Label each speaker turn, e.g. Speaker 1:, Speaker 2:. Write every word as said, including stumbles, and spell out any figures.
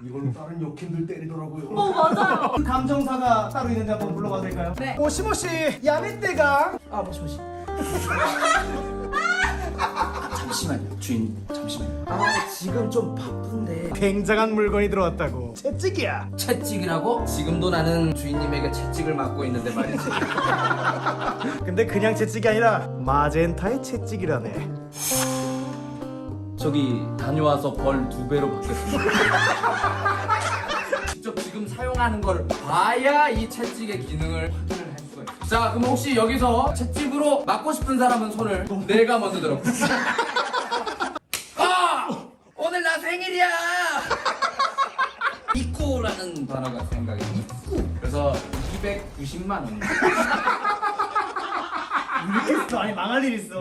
Speaker 1: 이걸로 다른 역행들 때리더라고요.
Speaker 2: 어 맞아요.
Speaker 3: 그 감정사가 따로 있는데 한번 불러봐도 될까요?
Speaker 2: 네.
Speaker 3: 모시모시 야매떼가 아 모시모시
Speaker 4: 잠시만요 주인 잠시만요.
Speaker 3: 아 지금 좀 바쁜데 굉장한 물건이 들어왔다고. 채찍이야.
Speaker 4: 채찍이라고? 지금도 나는 주인님에게 채찍을 맡고 있는데 말이지.
Speaker 3: 근데 그냥 채찍이 아니라 마젠타의 채찍이라네.
Speaker 4: 저기 다녀와서 벌 두 배로 받겠습니다. 직접 지금 사용하는 걸 봐야 이 채찍의 기능을 확인을 할 수가 있어. 자, 그럼 혹시 여기서 채찍으로 맞고 싶은 사람은 손을. 내가 먼저 들어. 아! 오늘 나 생일이야! 이쿠라는 단어가 생각이 나. 이쿠. 그래서 이백구십만 원.
Speaker 3: 이렇게 있어. 아니 망할 일 있어.